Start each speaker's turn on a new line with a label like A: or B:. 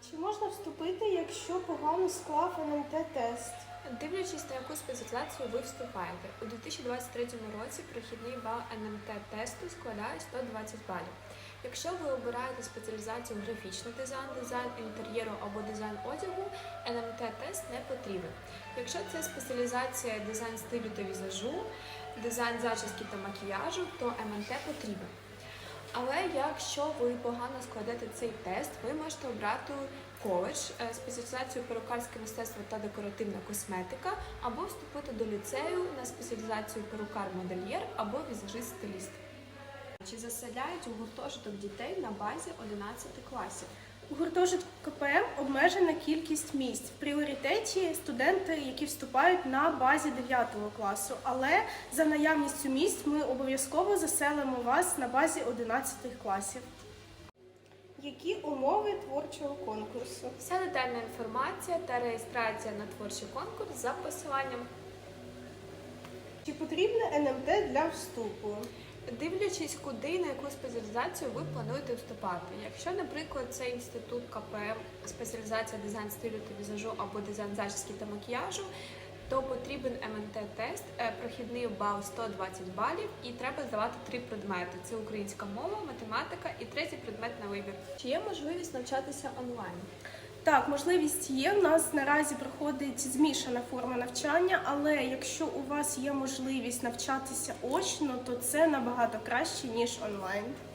A: Чи можна вступити, якщо погано склав НМТ-тест?
B: Дивлячись, на яку спеціалізацію ви вступаєте. У 2023 році прохідний бал НМТ-тесту складає 120 балів. Якщо ви обираєте спеціалізацію графічний дизайн, дизайн інтер'єру або дизайн одягу, НМТ-тест не потрібен. Якщо це спеціалізація дизайн стилю та візажу, дизайн зачіски та макіяжу, то МНТ потрібен. Але якщо ви погано складете цей тест, ви можете обрати коледж, спеціалізацію перукарське мистецтво та декоративна косметика, або вступити до ліцею на спеціалізацію перукар-модельєр або візажист-стиліст. Чи заселяють у гуртожиток дітей на базі 11 класів?
A: У гуртожитку КПМ обмежена кількість місць. В пріоритеті студенти, які вступають на базі 9 класу. Але за наявністю місць ми обов'язково заселимо вас на базі 11 класів. Які умови творчого конкурсу?
B: Вся детальна інформація та реєстрація на творчий конкурс за посиланням.
A: Чи потрібне НМТ для вступу?
B: Дивлячись, куди і на яку спеціалізацію ви плануєте вступати. Якщо, наприклад, це інститут КПМ, спеціалізація дизайн стилю та візажу або дизайн зачіски та макіяжу, то потрібен МНТ-тест, прохідний бал 120 балів і треба здавати 3 предмети. Це українська мова, математика і третій предмет на вибір. Чи є можливість навчатися онлайн?
A: Так, можливість є. У нас наразі проходить змішана форма навчання, але якщо у вас є можливість навчатися очно, то це набагато краще, ніж онлайн.